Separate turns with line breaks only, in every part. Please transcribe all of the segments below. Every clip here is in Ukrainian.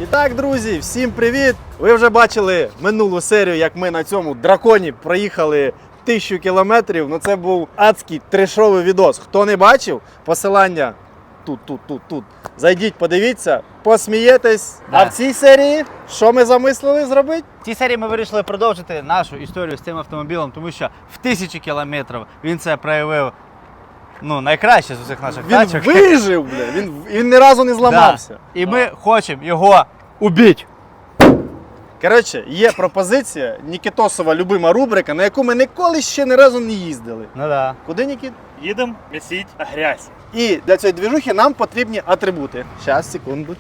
І так, друзі, всім привіт! Ви вже бачили минулу серію, як ми на цьому драконі проїхали 1000 кілометрів. Ну це був адський трешовий відос. Хто не бачив, посилання тут. Зайдіть, подивіться, посмієтесь.
Да.
А в цій серії що ми замислили зробити?
В цій серії ми вирішили продовжити нашу історію з цим автомобілем, тому що в 1000 кілометрів він це проявив найкраще з усіх наших
Він
тачок.
вижив, бля, він ні разу не зламався.
Да. І ми хочемо його убити.
Коротше, є пропозиція, Нікітосова любима рубрика, на яку ми ніколи ще ні разу не їздили.
Ну да.
Куди, Нікіт?
Їдемо місіть грязь.
І для цієї движухи нам потрібні атрибути. Щас, секунду.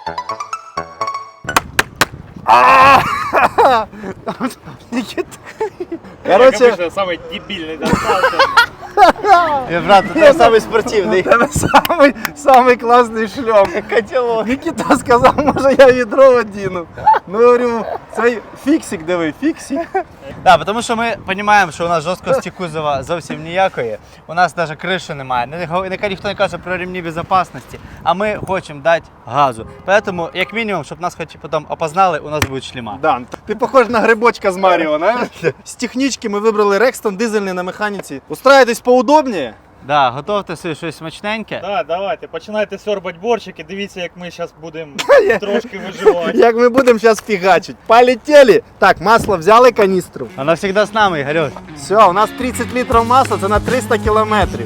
Нікіт. Коротше,
самий дебільний достався.
Брат, ти самий спортивний.
тебе самий класний шльом.
Котелок.
Нікіта сказав, може я відро одіну. Ну, говорю, цей фіксик, диви, фіксик.
Да, тому що ми розуміємо, що у нас жорсткості кузова зовсім ніякої. У нас навіть криші немає. Ніхто не каже про ремні безпечності, а ми хочемо дати газу. Тому, як мінімум, щоб нас хоч потім опознали, у нас буде шлема.
Дан, ти похож на грибочка з Маріо, знаєш? З технічки ми вибрали Рекстон дизельний на механіці. Устраєтесь поудобніше?
Да, готовте собі щось смачненьке.
Так, давайте, починайте сьорбати борщики, дивіться, як ми зараз будемо трошки виживати.
Як ми будемо зараз фігачити. Полетіли. Так, масло взяли каністру.
Вона завжди з нами, Ігорюш.
Все, у нас 30 літрів масла, це на 300 кілометрів.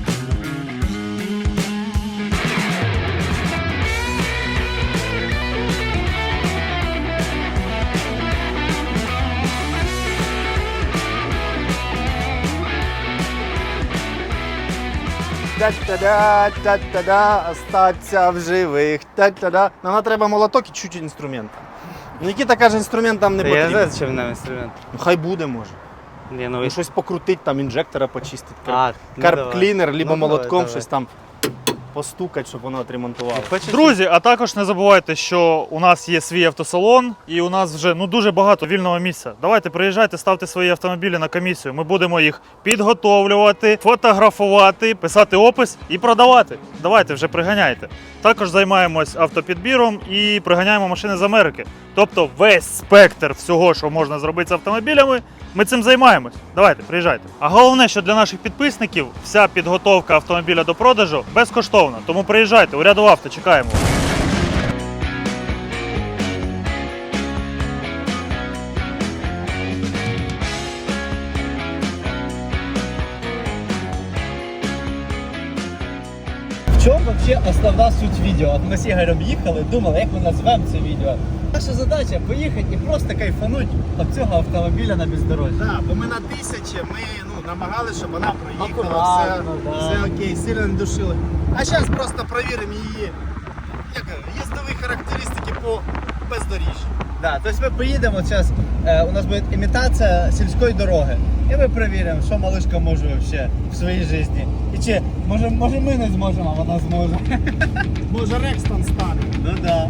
Та-та-да, остаться в живих. Та-та-да. Нам треба молоток і чуть-чуть інструмент. Нікіта каже, інструмент там не
Я
потрібен.
знаю, чим нам інструмент.
Ну, хай буде, може.
Ні,
Ну, щось покрутить, там інжектора почистить.
давай.
Карп-клінер, либо
Ну,
молотком
давай.
щось там постукать, щоб воно отремонтувало.
Друзі, а також не забувайте, що у нас є свій автосалон і у нас вже дуже багато вільного місця. Давайте приїжджайте, ставте свої автомобілі на комісію. Ми будемо їх підготовлювати, фотографувати, писати опис і продавати. Давайте вже приганяйте. Також займаємось автопідбіром і приганяємо машини з Америки. Тобто весь спектр всього, що можна зробити з автомобілями, ми цим займаємось. Давайте, приїжджайте. А головне, що для наших підписників вся підготовка автомобіля до продажу безкоштовна. Тому приїжджайте, у Рядов Авто, чекаємо.
В чому взагалі основна суть відео? От ми з Ігорем їхали, думали, як ми назвемо це відео. Наша задача поїхати і просто кайфануть від цього автомобіля на бездорожжі.
Так, бо ми на 1000, ми намагалися, щоб вона проїхала,
Акуратно, да.
все окей, сильно не душили. А зараз просто перевіримо її їздові характеристики по бездоріжжю.
Да, тобто ми поїдемо зараз, у нас буде імітація сільської дороги. І ми перевіримо, що малишка може вообще в своїй житті. І чи, може ми не зможемо, а вона зможе.
Може Рекстон стане.
Ну да.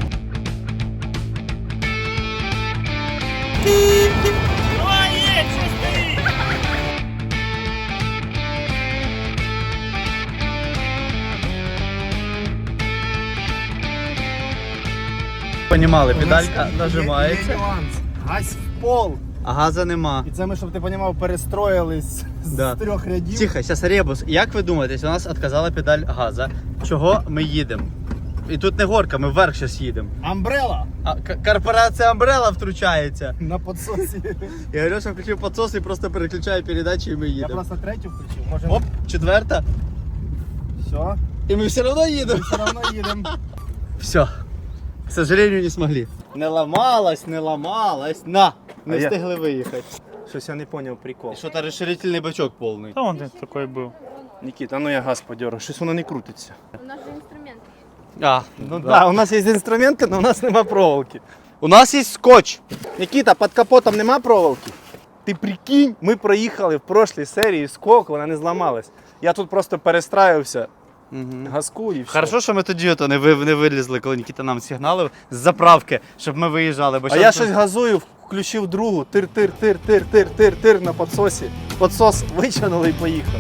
Понімали, педалька нажимається,
Гась в пол.
а газа нема.
І це ми, щоб ти розумів, перестроїлись
Да.
з 3 рядів.
Тихо, зараз ребус. Як ви думаєте, у нас відказала педаль газа, чого ми їдемо? І тут не горка, ми вверх зараз їдемо.
Амбрела
А корпорація Umbrella втручається.
на підсосі.
І Альоша включив підсос і просто переключає передачі і ми
Я
їдемо.
просто третю включив. Може,
Оп, четверта.
все.
І ми все одно їдемо.
Все одно їдемо.
Все. К сожалению, не смогли. Не ламалась. На! Не
А я-
встигли виїхати.
Щось я не зрозумів прикол.
І що то розширительний бачок повний.
Та він такий був.
Нікіта, ну я газ подеру, щось воно не крутиться.
У нас же инструмент.
А, ну
Да, у нас є інструменти, але у нас нема проволоки.
У нас є скотч.
Нікіта, під капотом нема проволоки? Ти прикинь, ми проїхали в прошлій серії скок, вона не зламалась. Я тут просто перестраювався, газку і все.
Хорошо, що ми тоді не вилізли, коли Нікіта нам сигналив з заправки, щоб ми виїжджали. Бо
А я щось газую, включив другу, тир на підсосі. Підсос витягнули і поїхали.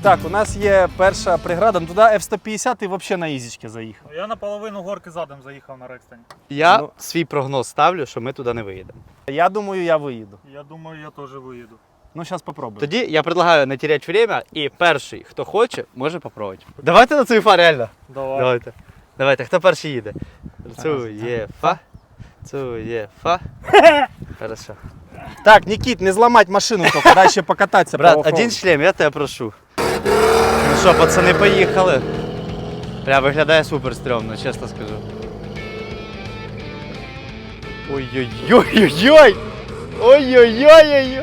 Так, у нас є перша преграда. Ну, туди F-150 і взагалі на ізічки заїхав.
Я на половину горки задом заїхав на Рекстоні.
Я
Ну.
свій прогноз ставлю, що ми туди не виїдемо.
Я думаю, я виїду.
Я думаю, я теж виїду.
Ну, зараз попробую.
Тоді я предлагаю не теряти время, і перший, хто хоче, може попробувати. Давайте на цуєфа, реально.
Давай.
Давайте. Давайте, хто перший їде? Цуєфа. Цуєфа. Хорошо.
Так, Нікіт, не зламати машину, тільки дай ще покататися. по
Брат,
оффроуду.
один шлем, я тебе прошу. Ну що, пацани, поїхали. Бля, виглядає супер стрьомно, чесно скажу. Ой-ой-ой-ой-ой! Ой-ой-ой-ой-ой!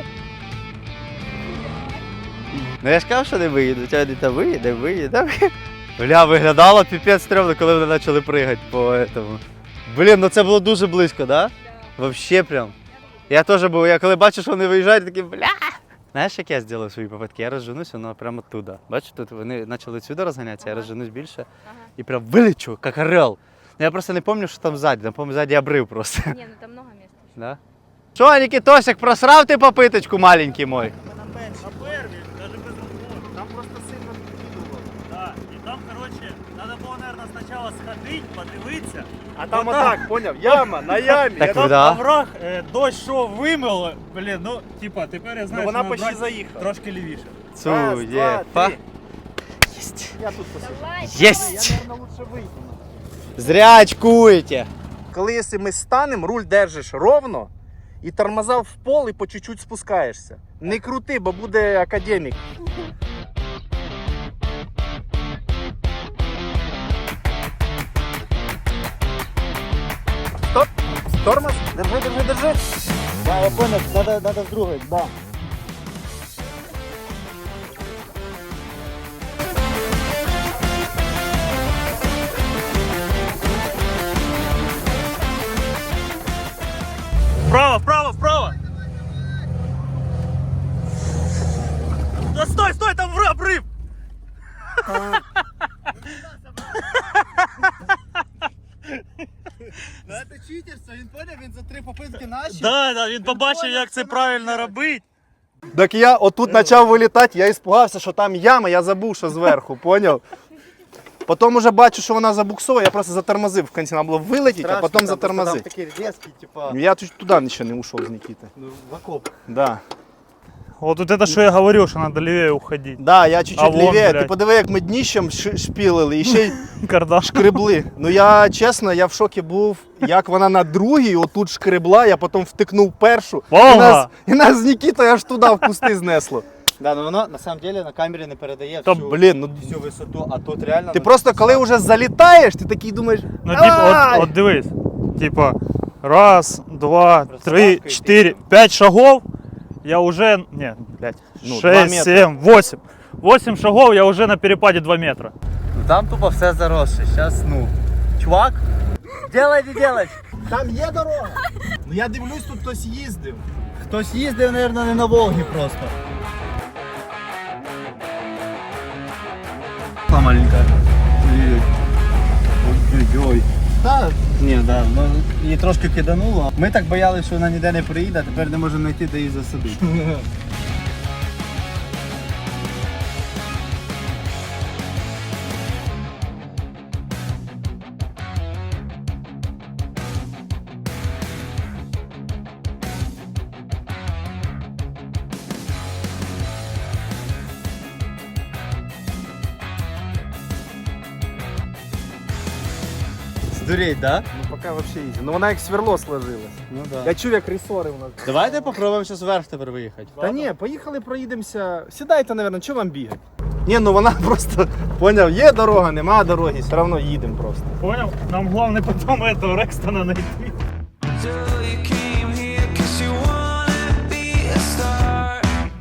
Ну я ж казав, що не виїду, тебе не виїде. Бля, виглядало піпець стрьомно, коли вони почали пригати по этому. Блін, ну це було дуже близько, да? Вообще прям. Я теж був, я коли бачу, що вони виїжджають, такий бля. Знаєш, як я зробив свої попитки? Я розженусь, воно прямо туди. Бачиш, тут вони почали сюди розганятися, я розженусь більше і прям вилечу, як орел. Ну, я просто не пам'ятаю, що там ззаді, там, по-моєму, ззаді обрив просто.
Не, ну там много места.
Да? Що, Нікітосик, просрав ти попиточку маленький мой?
На первій, навіть без розмови.
Там просто сильно підкидувало.
Да. І там, коротше, треба було, мабуть, спочатку сходити, подивитися.
А там отак, поняв? Яма на ямі.
Так
Я
ви
там-
да?
Овраг, дощ що вимило, блін, ну, типа, тепер я знаю,
Ну, вона
що
почти
брати
заїхала.
трошки лівіше.
Раз, два,
Цуєфа.
три. Я тут посижу.
Давай.
Єсть!
Я, наверное, лучше вийду.
Зря очкуєте.
Коли якщо ми станемо, руль держиш ровно і тормоза в пол і по чуть-чуть спускаєшся. Не крути, бо буде академік. Стоп! Тормоз! Держи!
Да, я понял, надо с другой, да.
Вправо, вправо, вправо! Да стой, там обрыв!
Ну це читерство, він поняв, він за 3 попитки наші.
Да, він побачив, як це правильно робити.
Так я отут почав вилітати, я іспугався, що там яма, я забув, що зверху, поняв? Потім уже бачу, що вона забуксовує, я просто затормозив. В кінці треба було вилетіти, а потім затормозити.
Такі різкі, типа,
Я туди нічого не ушов з Нікіти.
в окоп.
Да.
Вот это, что я говорил, что надо левее уходить.
Да, я чуть-чуть
А вон,
лівее. Ти
блядь.
подиви, як ми дніщем шпілили і ще й
Кардан.
шкребли. Ну я чесно, я в шокі був, як вона на другій отут шкребла, я потім втикнув першу.
Волга!
І нас з Нікітою аж туди в кусти знесло.
Да, но воно на самом деле на камері не передає
Та
всю,
блін, ну
всю висоту, а тут реально...
ти просто коли вже залітаєш, ти такий думаєш.
Ну, типа,
«Ай!»
от дивись. Типа, раз, два,
Просто
три,
лапкой
4, 5 шагов, я уже... Не, блядь,
Ну, 2
6,
метра.
7, 8. 8 шагов, я уже на перепаде 2 метра.
Ну там тупо все заросше, сейчас, ну... Чувак, делай, не делай.
Там є дорога. Ну я дивлюсь, тут хтось їздив.
Хтось їздив, мабуть, не на Волгі просто. Маленька. Ой-ой-ой. Та, ні, да, ну, її трошки кидануло. Ми так боялися, що вона ніде не приїде, а тепер не можемо знайти, де її засадити. Здуріть, да?
Ну поки взагалі їздив. Ну вона як сверло сложилась.
Ну да.
Я чув, як ресори у нас.
Давайте попробуємо зараз вверх тепер виїхати.
Та ні, поїхали, проїдемося. Сідайте, мабуть, що вам бігати? Ні, ну вона просто, поняв, є дорога, нема дороги, все одно їдемо просто.
Понял? Нам главное потом этого Рекстона найти.
Till you came here 'cause you wanna be a star.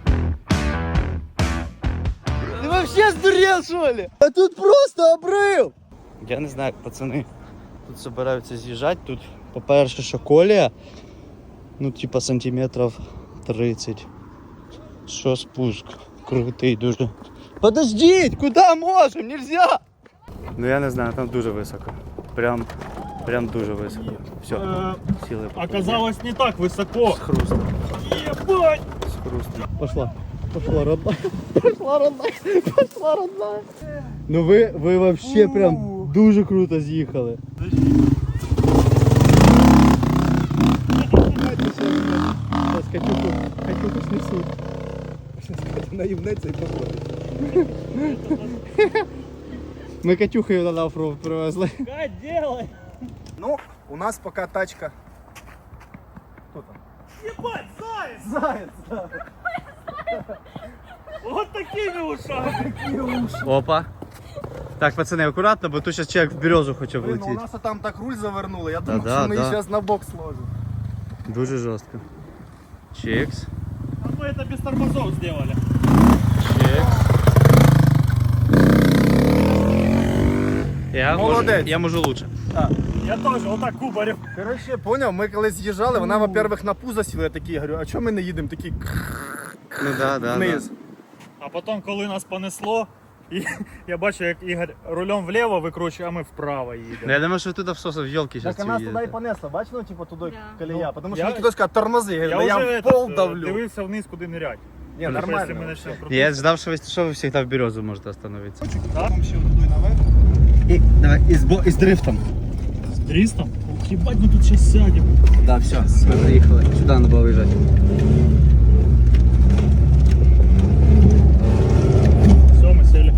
Ти вообще здурел, що ли? А тут просто обрив! Я не знаю, як пацани тут збираються з'їжджати. Тут, по-перше, що колія, ну, типа сантиметрів 30. Що спуск? Крутий дуже. Подождіть, куди можемо? Нельзя! Ну я не знаю, там дуже високо. Прям дуже високо. Все, сіли.
Оказалось не так высоко.
З хрустом.
Ебать!
З хрустом. Пошла. Пошла родная. Пошла родная. Пошла родная. Ну ви вообще прям дуже круто з'їхали. Сейчас Катюху снесуть. Наївнеться і походить. Ми Катюхою на оффроуд привезли.
Кать, делай!
Ну, у нас пока тачка. Хто там?
Ебать, заяц!
Заяц!
Вот такими ушами!
Опа. Так, пацани, акуратно, бо тут зараз чоловік в березу хоче
Блин, ну у
влетіти.
нас там так руль завернули, я думав,
да,
що ми
да.
її зараз на бок сложимо.
Дуже жорстко. Чекс.
А мы это без тормозов сделали.
Молодець.
Я можу лучше.
Я тоже вот так кубарем.
Коротше, поняв, ми коли з'їжджали, вона, во-первых, на пузо сіла, я такий, говорю, а чого ми не їдемо такі
Ну да.
вниз?
А потім, коли нас понесло, і я бачу, як Ігор рулем вліво викручує, а ми вправо їдемо.
Я думаю, що тут всосов в елки зараз
Так а нас туди і понесло, бачиш, ну, типу, туди колія, тому що
я-
Нікітос сказав, тормози, я
Я
говорю,
вже
я в пол
этот,
давлю.
дивився вниз, куди нирять.
Ні,
Якщо ми
нормально.
почнемо
вообще.
крутити.
Я ждав, що ви завжди в березу можете остановитися.
Там ще дуй наверх.
І, давай, і з дрифтом.
З 300? Ух, ебать, мы тут сейчас сядем.
Да, все, ми приїхали. Сюди треба було виїжджати.
Все, мы сели.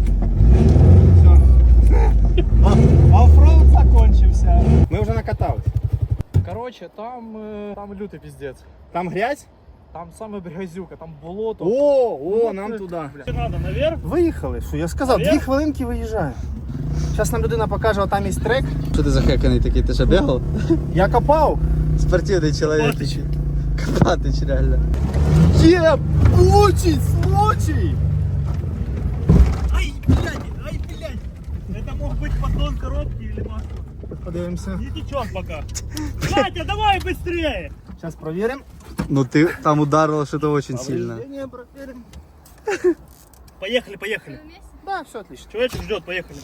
Оффроуд закончився. Ми вже накатались.
Короче, там лютый пиздец.
Там грязь?
Там саме грязюка, там болото.
О, нам туди.
Надо наверх.
Виїхали, що я сказав, 2 хвилинки виїжджаю. Зараз нам людина покаже, отам є трек.
Що ти за хеканий такий? Ти що бігав?
Я копав.
Спортивний чоловік.
Копатич.
Копатич, реально.
Є! Случай! Случай!
Ай, блядь. Это мог быть поддон коробки или масло.
Подивимося.
Не течет пока. Катя, давай быстрее.
Зараз провіримо.
Ну ти там ударило що-то дуже сильно.
Не, провіримо.
Поехали.
Да, все отлично.
Человечек ждет, поехали.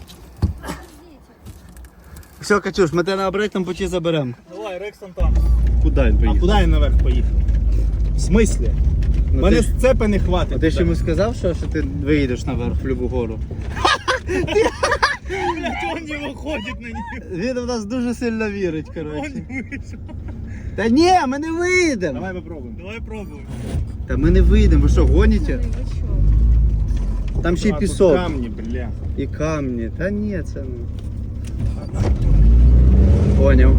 Все, Катюш, ми тебе на обратному путі заберемо.
Давай, Рексон там.
Куди він
А
поїхав?
куди він наверх поїхав? В смислі?
Ну,
Мене
ти ж-
сцепи не хватить.
А ти ж
туди.
йому сказав, що ти виїдеш наверх в любу гору?
Блядь, он не выходит на нее.
Він в нас дуже сильно вірить,
Он
коротше.
не вышел.
Та ні, ми не виїдемо.
Давай попробуємо.
Давай пробуем.
Та ми не виїдемо, ви що, гоніте? Там ще й
А, тут
пісок.
камні, бля.
І камні. Та ні, це ну. Поняв.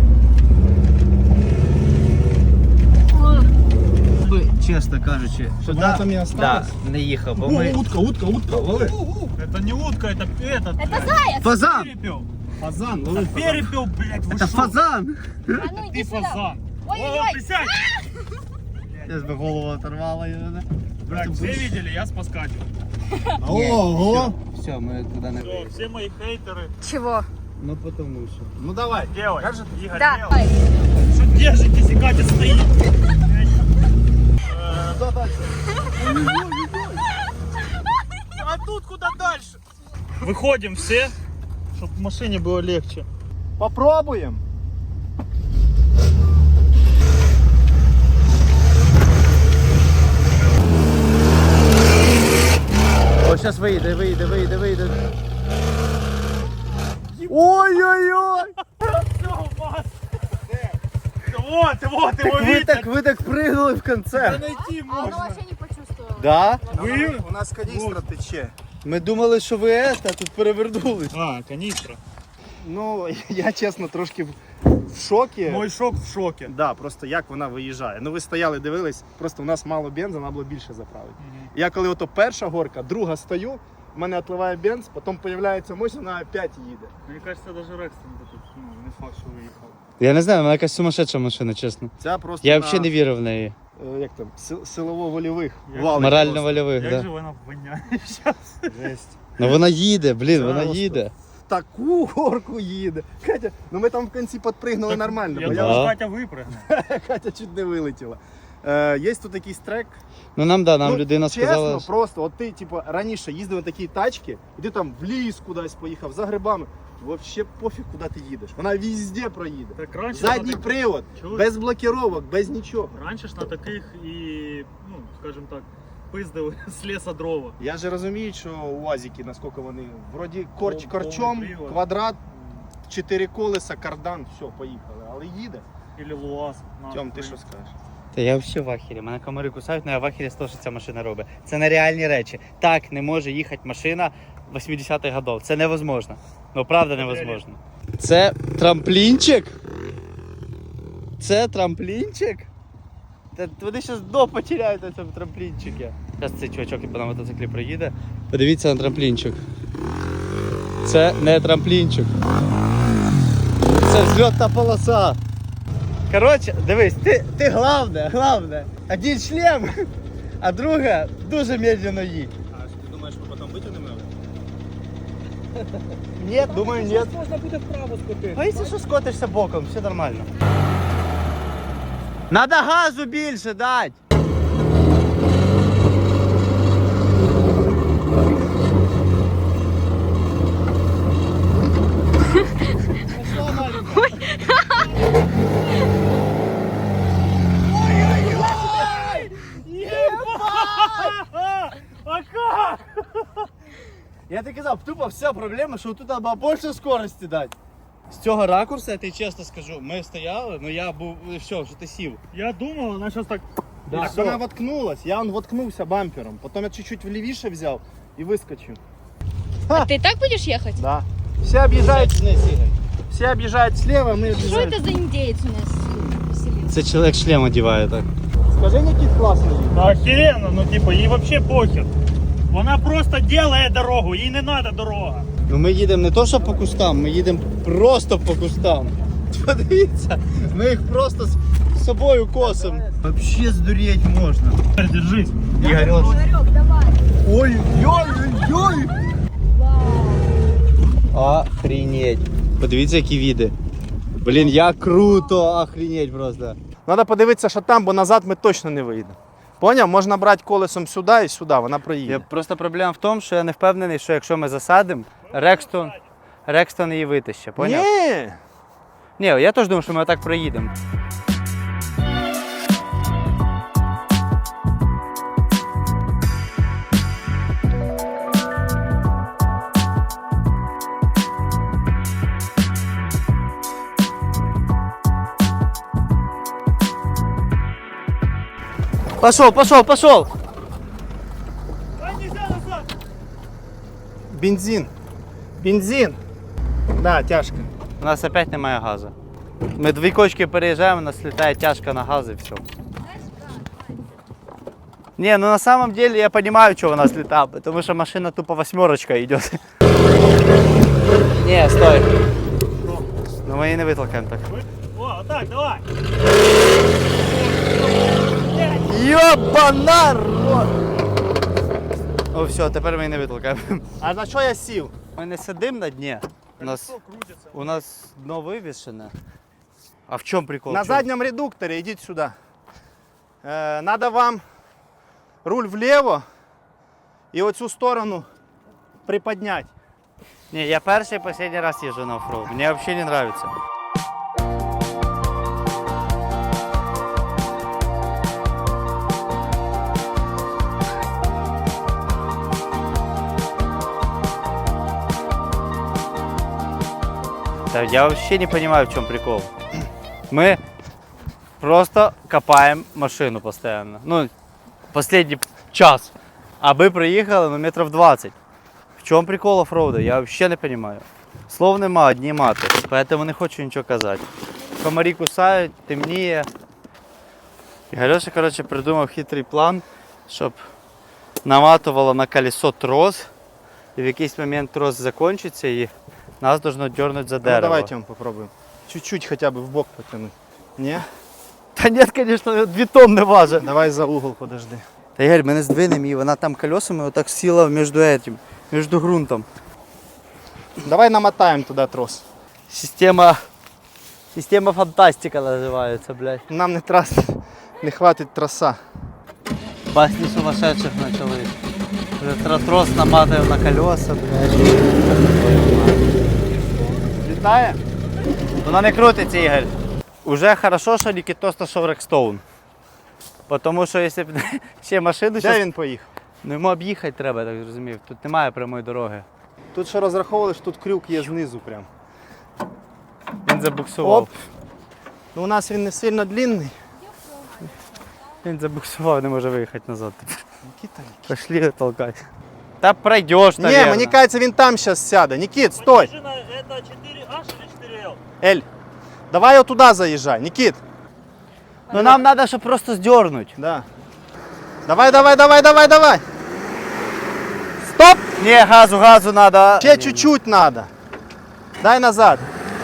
Чесно кажучи,
Щоб вона там і осталась?
не їхав, бо
Утка, лови.
Это не утка, это этот. Это
Фазан!
перепел.
Фазан, лови.
Перепел, блядь, вы
Це
шо?
фазан!
А ну
Ты
иди сюда.
фазан. О,
Ой-ой-ой.
присядь.
Я би голову оторвала.
Так, все видели, я спаскачу.
Ого.
Все, ми туди не
Все,
виїдемо.
все мои хейтеры.
Чего?
Ну потому що.
Ну давай.
Делай.
Как же
Игорь,
Да.
делай. Что держитесь, и Катя стоит.
Куда дальше?
А тут куда дальше? Выходим все, чтобы в машине было легче.
Попробуємо.
О, зараз вийде. Ой-ой-ой!
Все, у вас. Вот, его видно.
Ви так пригнули в конце.
Найти
А оно
можно.
вообще не почувствовала.
Да?
У нас каністра тече.
Ми думали, що ви а тут перевернулись.
А, канистра.
Ну, я чесно трошки в шокі.
Мой шок в шоке.
Да, просто як вона виїжджає. Ну ви стояли, дивились, просто у нас мало бензу, треба було більше заправити. Я коли ото перша горка, друга стою, в мене отливає бенз, потім з'являється мощь, вона опять їде.
Мне кажется, даже Рекстон тут, ну, не факт, что выехал.
Я не знаю, вона якась сумасшедша машина, чесно.
Ця просто
Я
на,
взагалі не вірив в неї.
як там, силово-вольових
Як
валить
Морально-вольових,
Как
да.
же она воняет сейчас?
просто. Жесть.
Ну вона їде, блін, вона
Просто.
їде.
Таку горку їде. Катя, ну ми там в кінці підпригнули нормально,
Я
бо
думал,
Да.
Катя выпрыгнет.
Катя чуть не вилетіла. Є тут якийсь трек.
Ну нам
Ну,
людина
чесно,
сказала.
просто, от ти, типу, раніше їздив на такі тачки, і ти там в ліс кудись поїхав, за грибами. Вообще пофіг, куди ти їдеш. Вона везде проїде.
Так раньше
Задній
на так-
привод,
Чого?
без блокировок, без нічого.
Раньше ж на таких и, ну, скажем так, пиздили з лісу дрова.
Я же розумію, що УАЗики, наскільки вони, вроді корчом,
привод.
квадрат, 4 колеса, кардан, все, поїхали. Але їде.
Или ЛуАЗ.
Тьом, ти що скажеш?
Та я взагалі в ахері. Мене комари кусають, але я в ахері з того, що ця машина робить. Це нереальні речі. Так не може їхати машина 80-х годів. Це невозможно. Ну правда невозможно. Це трамплінчик? Це трамплінчик? Та вони зараз дно потеряють на цьому трамплінчику. Зараз цей чувачок на мотоциклі приїде. Подивіться на трамплінчик. Це не трамплінчик. Це взльотна полоса. Коротше, дивись, ти головне. Один шлем, а друга дуже медленно їдь.
А ти думаєш, ми потім витягнемо?
Ні, думаю, ні.
Можна буде вправо скотити.
А якщо що скотишся боком, все нормально. Надо газу більше дати.
А как?
Я тобі казав, тупо вся проблема, що тут треба більше скорості дати. З цього ракурсу, я тобі чесно скажу, ми стояли, ну я був, все, що ти сів.
Я думал, она сейчас так...
Так вона воткнулась, я воткнувся бампером, потім я чуть-чуть влівіше взяв і вискочив.
А ты так будешь ехать?
Да. Всі об'їжджають, всі об'їжджають слева, ми
Что
об'їжджаємо.
это за индеец у нас поселился?
Це чоловік шлем одягає так.
Скажи, Нікіт, класний.
Да охеренно, ну типа, ей вообще похер. Вона просто делает дорогу, їй не надо дорога.
Ну ми їдемо не то, що по кустам, ми їдемо просто по кустам. Подивіться, ми їх просто з собою косимо. Вообще здуріти можна.
Держись.
Ігор,
Игорек, давай.
ой-ой-ой!
Вау.
Охренеть. Подивіться, які види. Блін, як круто, охренеть просто.
Треба подивитися, що там, бо назад ми точно не вийдемо. Поняв? Можна брати колесом сюди і сюди, вона проїде.
Просто проблема в тому, що я не впевнений, що якщо ми засадимо, Рекстон її витище, поняв?
Ні.
Ні, я теж думаю, що ми отак проїдемо. Пошел!
Бензин. Да, тяжко.
У нас опять немає газу. Ми 2 кочки переїжджаємо, у нас літає тяжко на газ і все. Не, ну на самом деле я понимаю, что у нас летает, потому что машина тупо 8 идет. Не, стой. Ну мы ее не вытолкаем так.
О, так, давай.
Ёбана рот! О, все, тепер ми її не витолкаємо.
А на що я сів?
Ми не сидимо на дні. У нас дно вивішене. А в чому прикол?
На
В чому?
задньому редукторі, йдіть сюди. Надо вам руль вліво і оцю сторону приподняти.
Не, я перший і останній раз їжджу на оффроуд. Мені взагалі не подобається. Да, я вообще не понимаю, в чем прикол. Мы просто копаем машину постоянно. Ну, последний час. А мы проехали, ну, метров 20. В чем прикол оффроуда? Я вообще не понимаю. Слов нема, одні мати. Поэтому не хочу нічого казати. Комарі кусають, темніє. І Галюша, коротше, придумав хитрий план, щоб наматувало на колесо трос. І в якийсь момент трос закінчиться і нас должно дернуть за дерево.
Ну, давайте ми попробуємо. Чуть-чуть хоча б в бок потягнути. Ні?
Та ні, звісно, 2 тонни важить.
Давай за угол подожди.
Та Ігор, ми не здвинемо її, вона там колесами отак сіла між ґрунтом.
Давай намотаємо туди трос.
Система фантастика називається, блядь.
Нам не хватить троса.
Басні сумасшедших почали. Вже трос наматуємо на колеса, блядь.
Літає?
Вона не крутиться, Ігор. Уже хорошо, що Нікітос знайшов Рекстоун. Тому що якщо б ще машину
Де
щас...
він поїхав?
Ну йому об'їхати треба, так зрозумів. Тут немає прямої дороги.
Тут ще розраховували, що тут крюк є знизу прям.
Він забуксував.
Оп. Ну, у нас він не сильно длинний.
Він забуксував, не може виїхати назад.
Нікіта.
Пошли толкать. Та пройдеш,
Ні,
наверное.
мені кажеться, він там зараз сяде. Нікіт, стой!
Это 4H или 4L?
Ель, давай отуда заїжджай. Нікіт.
Ну нам треба, щоб просто здернуть.
Да. Давай, давай, давай, давай, давай. Стоп!
Ні, газу надо.
Ще чуть-чуть надо. Дай назад.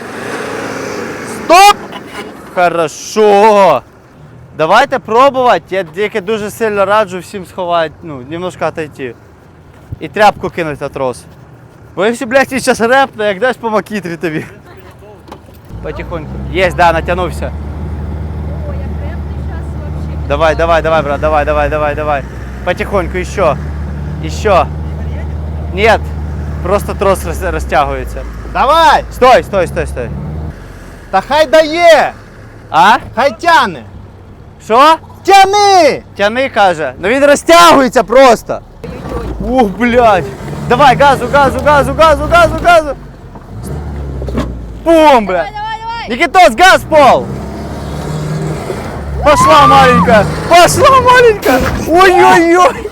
Стоп!
Хорошо. Давайте пробувати. Я тільки дуже сильно раджу всім сховати, ну, немножко отойти. І тряпку кинуть на трос. Бо якщо, блядь, він зараз репне, як дасть по макітрі тобі. Потихоньку. Єсть, да, натягнувся.
О, я крепкий сейчас вообще.
Давай, давай, давай, брат, давай. Потихоньку, еще. Нет, просто трос розтягується.
Давай!
Стой.
Та хай дає!
А?
Хай тяне!
Що?
Тяни!
Тяни, каже. Ну він розтягується просто. Ух, блядь. Давай, газу. Бум, блядь.
Давай.
Никитос, газ в пол. Пошла маленькая. Ой-ой-ой.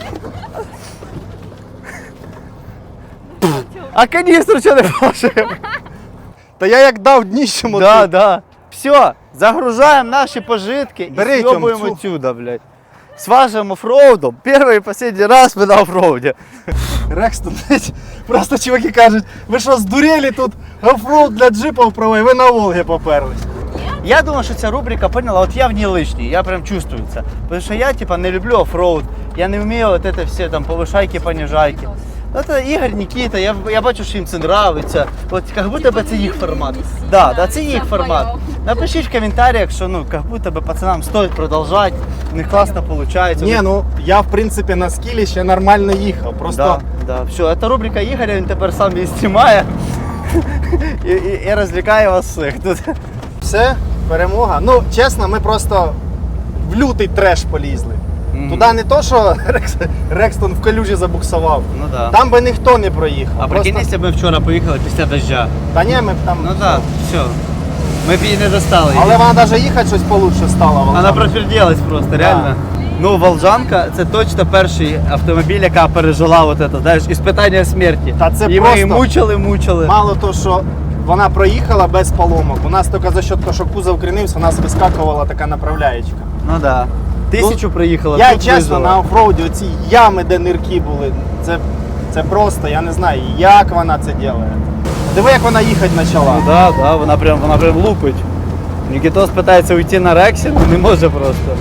А канистру что не положил?
Та я як дав дніщем
Да. Все, загружаем наши пожитки
Бери,
и съебываем
Тём,
отсюда, блядь. С вашим оффроудом. Первый и последний раз мы на оффроуде.
Рекстон, просто чуваки кажуть, ви що, здуріли тут оффроуд для джипів провели, ви на Волгі поперлись.
Я думаю, что эта рубрика, поняла, вот я в ней лишний, я прям чувствую это. Потому что я типа не люблю оффроуд, я не умею вот это все там повышайки, понижайки. Ну, это Ігор, Нікіта, я бачу, що їм це нравиться. От як будто би це їх формат. Да, це їх формат. Напишіть в коментарях, що ну, як будто би пацанам стоїть продовжувати, у них класно виходить.
Ні, ну я в принципі на скілі ще нормально їхав. Просто
Да. Все, це рубрика Ігоря, він тепер сам її знімає і розвлікає вас всіх. Тут.
все, перемога. Ну, чесно, ми просто в лютий треш полізли. Туди не то, що Рекстон в калюжі забуксував.
Ну да.
Там би ніхто не проїхав.
А прикинь, якщо б ми вчора поїхали після дождя.
Та ні, ми б там.
Ну так, все. Ми б її не достали.
Але вона навіть їхати щось получше стала.
Вона профірділась просто, реально. Ну, Волжанка це точно перший автомобіль, яка пережила вот это, знаєш, іспитання смерті.
Та це
і ми її
просто
мучили.
Мало того, що вона проїхала без поломок. У нас тільки за счет того, що кузов крінився, у нас вискакувала така направляючка.
Ну да. 1000 приїхала.
Я
тут
чесно,
вижила.
на оффроуді оці ями, де нирки були, це просто, я не знаю, як вона це робить. Диви, як вона їхати почала.
Ну да, вона прям лупить. Нікітос питається уйти на Рексі, але не може просто.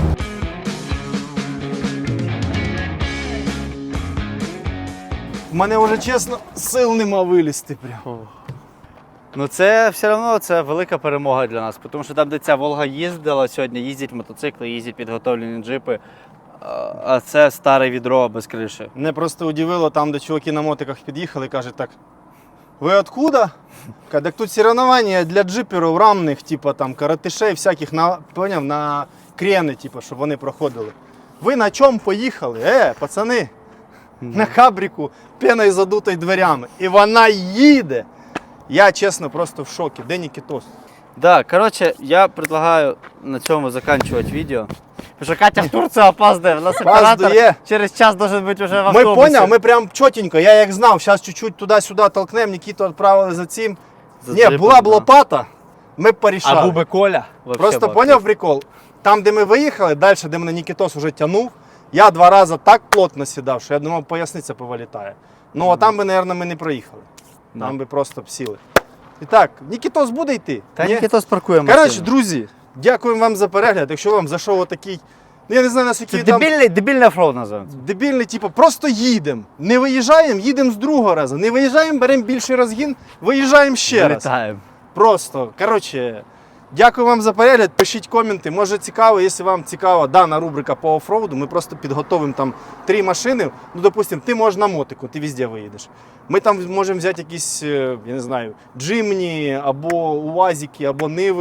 В мене вже чесно сил нема вилізти прямо.
Ну це все одно це велика перемога для нас, тому що там, де ця Волга їздила сьогодні, їздять мотоцикли, їздять підготовлені джипи, а це старе відро без криші.
Мене просто удивило там, де чуваки на мотиках під'їхали, кажуть так, ви откуда? Так тут соревновання для джиперів рамних, типу там каратишей всяких, поняв, на крени, типу, щоб вони проходили. Ви на чому поїхали? Пацани, на кабріку пеною задутою дверями. І вона їде. Я, чесно, просто в шокі. Де Нікітос?
Да, короче, я предлагаю на цьому заканчивать видео. Потому что Катя в Турцию опаздывает, у нас оператор
Опаздує.
через час должен быть уже в
Ми
автобусе.
поняв, ми прям чотенько, я як знав, зараз чуть-чуть туди-сюди толкнемо, Нікіту відправили за цим.
За
Ні,
джипом,
була б
да.
лопата, ми б порішали.
А був би Коля. вообще
Просто
б
поняв прикол? Там, де ми виїхали, далі, де мене Нікітос вже тягнув, я 2 рази так плотно сідав, що я думав, поясниця повилітає. Ну, а там би, мабуть, ми не проїхали. Там би просто б сіли. І так, Нікітос буде йти?
Та
Ні?
Нікітос паркує
Коротше,
машину.
друзі, дякуємо вам за перегляд. Якщо вам зайшов отакий, ну я не знаю, наскільки
Це
там
дебільний оффроуд називається.
дебільний, типу, просто їдемо. Не виїжджаємо, їдемо з другого разу. Не виїжджаємо, беремо більший розгін, виїжджаємо ще раз.
Вилітаємо.
Просто, коротше, дякую вам за перегляд, пишіть коменти, може цікаво, якщо вам цікава дана рубрика по оффроуду, ми просто підготовимо там 3 машини, ну, допустим, ти можеш на мотику, ти везде виїдеш. Ми там можемо взяти якісь, я не знаю, джимні, або уазики, або ниви,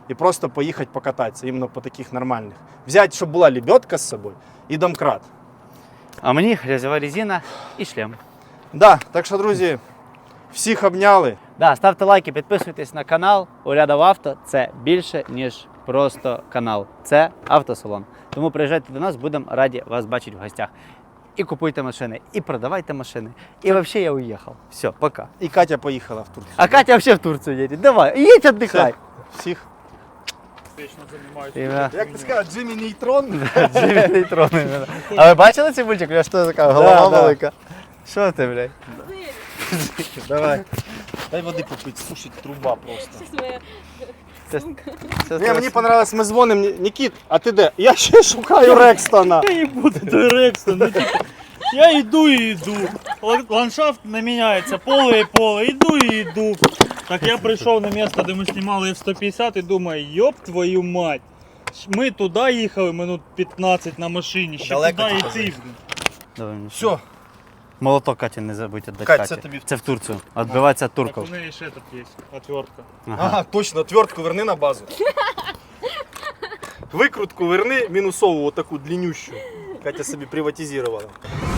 і просто поїхати покататися, іменно по таких нормальних. Взяти, щоб була лебедка з собою і домкрат.
А мені грязьова резина і шлем.
Да, так що, друзі, всіх обняли.
Да, ставте лайки, підписуйтесь на канал. Урядов Авто це більше, ніж просто канал. Це автосалон. Тому приїжджайте до нас, будемо раді вас бачити в гостях. І купуйте машини, і продавайте машини. І взагалі я уїхав. Все, пока.
І Катя поїхала в Турцію.
А Катя взагалі в Турцію їде. Давай, їдь віддихай.
Всіх.
Вічно займаюся.
Ім'я.
Як ти сказав, Джиммі Нейтрон?
Джиммі Нейтрони. А ви бачили цей мультик? У нього що така голова
Да.
велика? Що ти, блядь?
Давай. Дай води попити, сушить труба просто.
Щас моя
Це-
сумка.
це
Мені понравилось, ми дзвонимо, Нікіт, а ти де? Я ще шукаю Рекстона.
Я їбу до Рекстон. Ну, типу, я йду і йду. Ландшафт не міняється, поле і поле, йду і йду. Так я прийшов на місце, де ми знімали F-150 і думаю, йоп твою мать. Ми туди їхали минут 15 на машині, ще
Далеко
туди
тільки
йти.
Давай,
Все,
Молоток Каті не забудь віддати
Кать,
Каті.
це тобі.
Це в Турцію. Відбиватися від
Так
турків.
у неї ще тут є отвертка.
ага, точно, отвертку верни на базу. Викрутку верни, мінусову, отаку длиннющу. Катя собі приватизувала.